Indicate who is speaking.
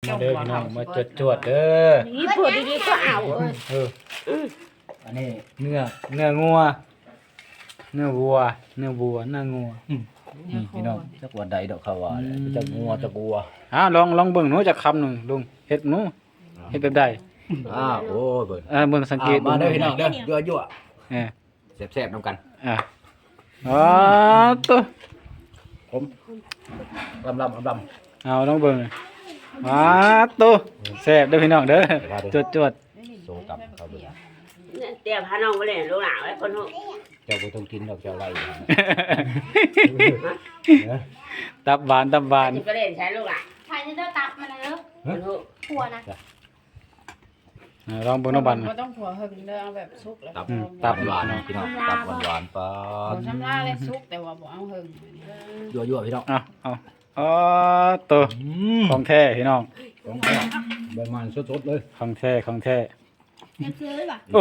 Speaker 1: มาเด้อพี่น้องมาจวดๆเด้อ
Speaker 2: นี่ปวดดีๆก็เอา
Speaker 1: อันนี้เนื้องัวเนื้อวัวเนื้อวัวเนื้องัวนี่พี่น้อง
Speaker 3: จักว่าใดดอกเขาว่าจักงัวจักวัว
Speaker 1: ลองเบิ่งหนูจักคำหนึ่งลุงเฮ็ดหนูเฮ็ดแบบใด
Speaker 3: โอ้ยเบิ่ง
Speaker 1: เบิ่งสังเกต
Speaker 3: มาเด้อพี่น้องเด้อยั่ว
Speaker 1: เออ
Speaker 3: แซ่บๆนำกัน
Speaker 1: อ๋อตัว
Speaker 3: ผมลำ
Speaker 1: เอาลองเบิ่งตัวแซ่บเด้อพี่น้องเด้อจวด
Speaker 3: โซกับเขาเบิ่ง
Speaker 2: เดี๋ยวพาน้องไปเล่นลูกหลานไว้คนหู
Speaker 3: เจ้าบ่ต้องกินดอกเจ้าไร
Speaker 1: ๆตับหวาน
Speaker 2: ไปเล่นใช้ลูกหลาน
Speaker 4: ใครจะเด้อตับมันนะเด้อ
Speaker 2: คนหู
Speaker 4: ผัวนะ
Speaker 1: ลองเบิ่งน้ำบัน
Speaker 5: บ่ต้องหัวหึงเด้อเอาแบบสุกแล้ว
Speaker 3: ตับหวานพี่น้องตับหวานๆปา
Speaker 5: บ่ชำระเลยสุกแต่ว่าบ่เอาหึง
Speaker 3: ยั่วๆพี่น้อง
Speaker 1: อ๋อตัวของแท้พี่น้อง
Speaker 3: ของแท้ใบมันสดๆเลย
Speaker 1: ของแท้
Speaker 4: ยังซื้อป่ะ